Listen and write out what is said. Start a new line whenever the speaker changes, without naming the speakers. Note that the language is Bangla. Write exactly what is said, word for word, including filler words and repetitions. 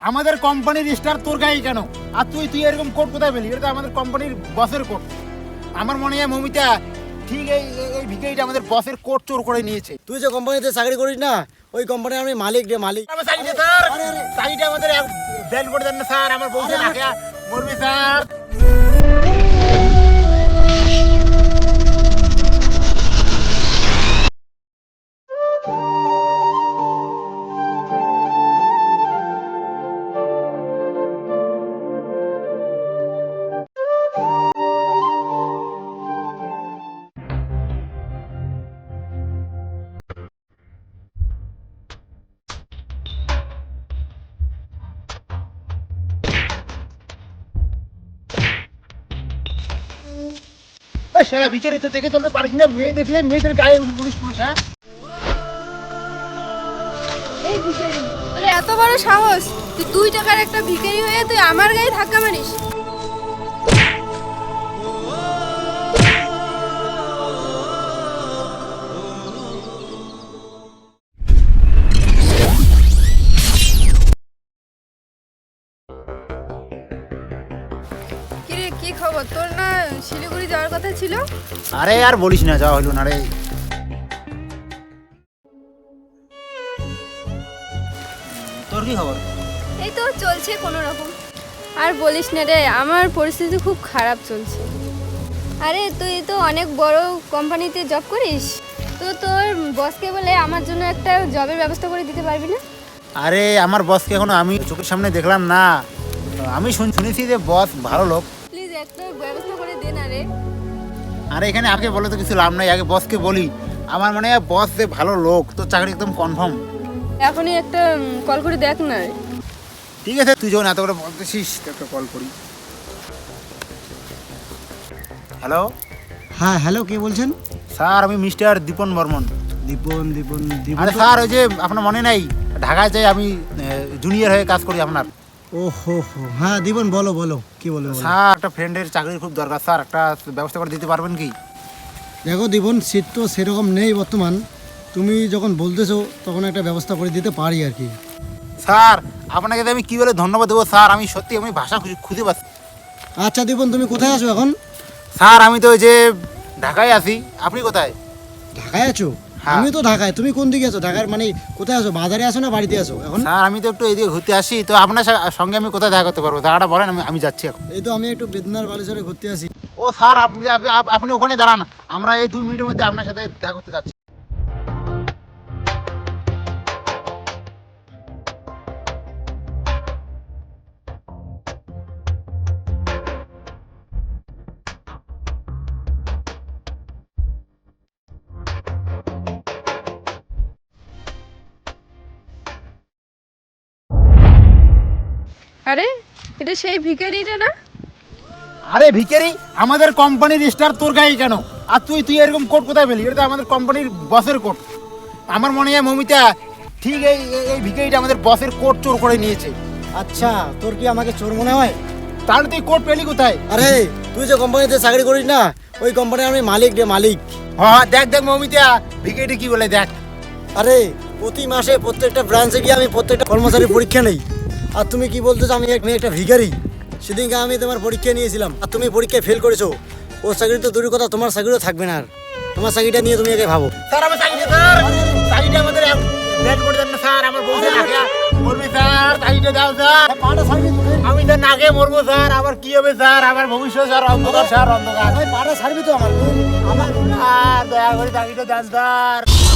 আমাদের কোম্পানির স্টার তোর গায়ে কেন? আর তুই তুই এরকম কোট কোথায় পেলি? এটা তো আমাদের কোম্পানির বসের কোট। আমার মনে হয় মমিতা ঠিক এই এই ভিখারিটা আমাদের বসের কোট চোর করে নিয়েছে।
তুই যে কোম্পানিতে চাকরি করিস না, ওই কোম্পানির আমি মালিক রে মালিক।
আমার চাকরিটা স্যার, চাকরিটা আমাদের ব্যান করে দেন না স্যার, আমার বউকে রাখা মরবে স্যার। সারা বিচারিত থেকে চলতে পারিস না, মেয়ে দেখলে মেয়েদের গায়ে পুলিশ পুলিশ। হ্যাঁ
এই ভিখারি, তোর এত বড় সাহস, তুই দুই টাকার একটা ভিখারি হয়ে তুই আমার গায়ে ধাক্কা মারিস? কিরে, কি খবর তোর? না শিলিগুড়ি যাওয়ার কথা ছিল?
আরে আর বলিস না, যাওয়া হলো না রে। তোর কি খবর?
এই তো চলছে কোনো রকম। আর বলিস না রে, আমার পরিস্থিতি খুব খারাপ চলছে। আরে তুই তো অনেক বড় কোম্পানিতে জব করিস, তো তোর বসকে বলে আমার জন্য একটা জবের ব্যবস্থা করে দিতে পারবি না?
আরে আমার বসকে এখনো আমি চোখের সামনে দেখলাম না। আমি শুন- শুনেছি যে বস ভালো লোক।
প্লিজ একটা ব্যবস্থা করে দে না রে।
আরে এখানে আগে বলে তো কিছু লাভ নাই, আগে বসকে বলি। আমার মনে হয় বস যে ভালো লোক, তো চাকরি একদম কনফার্ম।
এখনই একটা কল করে দেখ না রে।
ঠিক আছে, তুই যখন এত করে বলতেছিস তো একটা কল করি। হ্যালো
হ্যাঁ হ্যালো, কে বলছেন?
স্যার, আমি মিস্টার দীপন বর্মন।
দীপন দীপন দীপন
আরে স্যার, ওই যে আপনার মনে নাই ঢাকায় যাই আমি জুনিয়র হয়ে কাজ করি আপনার।
ও হো হো, হ্যাঁ দীপন বলো বলো, কি বলবে বলো।
স্যার, একটা ফ্রেন্ডের চাকরির খুব দরকার স্যার, একটা ব্যবস্থা করে দিতে পারবেন কি?
দেখো দীপন, শীত তো সেরকম নেই বর্তমান, তুমি যখন বলতেছো তখন একটা ব্যবস্থা করে দিতে পারি আর কি।
স্যার, আপনাকে আমি কি বলে ধন্যবাদ দেবো স্যার, আমি সত্যি আমি ভাষা খুঁজে- খুঁজে পাচ্ছি।
আচ্ছা দীপন, তুমি কোথায় আছো এখন?
স্যার, আমি তো ওই যে ঢাকায় আছি। আপনি কোথায়?
ঢাকায় আছো?
হ্যাঁ।
আমি তো ঢাকায়, তুমি কোন দিকে আছো? ঢাকার মানে কোথায় আছো, বাজারে আছো না বাড়িতে আছো এখন?
স্যার, আমি তো একটু এদিকে ঘুরতে আসি, তো আপনার সা- সঙ্গে আমি কোথায় দেখা করতে পারবো? দাঁড়াটা বলেন, আমি আমি যাচ্ছি এখন।
এই তো আমি একটু বেদনার বালেশ্বরে ঘুরতে আসি।
ও স্যার, আপনি আপনি- আপ- আপনি ওখানে দাঁড়ান, আমরা এই দুই মিনিটের মধ্যে আপনার সাথে দেখা করতে যাচ্ছি।
আরে এটা সেই ভিখারিটা না?
আরে ভিখারি, আমাদের কোম্পানির স্টার তোর গায়ে কেন? আর তুই তুই এরকম কোট কোথায় পেলি? এটা তো আমাদের কোম্পানির বসের কোট। আমার মনে হয় মমিতা ঠিক এই এই- এই ভিখারিটা আমাদের বসের কোট চোর করে নিয়েছে।
আচ্ছা, তোর কি আমাকে চোর মনে হয়?
তাহলে তুই কোট পেলি কোথায়?
আরে তুই যে কোম্পানিতে চাকরি করিস না, ওই কোম্পানির আমি মালিক রে মালিক।
হ্যাঁ, দেখ দেখ মমিতা, ভিখারিটা কি বলে দেখ।
আরে প্রতি মাসে প্রত্যেকটা ব্রাঞ্চে গিয়ে আমি প্রত্যেকটা কর্মচারীর পরীক্ষা নেই। আর তুমি কি বলতেছো আমি এক- আমি একটা ভিখারি? সেদিনকে আমি তোমার পরীক্ষা নিয়েছিলাম আর তুমি পরীক্ষায় ফেল করেছো। ও চাকরি তো দূরের কথা, তোমার চাকরিও থাকবে না আর। তোমার চাকরিটা নিয়ে তুমি আগে ভাবো।
স্যার, আমার চাকরি স্যার, চাকরিটা আমাদের ব্যান করে দেন না স্যার, আমার বউকে রাখা মরবে স্যার, চাকরিটা দাও স্যার।
পাটা ছাড়বি তুই?
আমি তো নাকে মরবো স্যার, আবার কি হবে স্যার? আমার ভবিষ্যৎ স্যার অন্ধকার স্যার, অন্ধকার।
পাটা ছাড়বি তো আমার? আমার
স্যার, দয়া করে চাকরিটা দেন স্যার।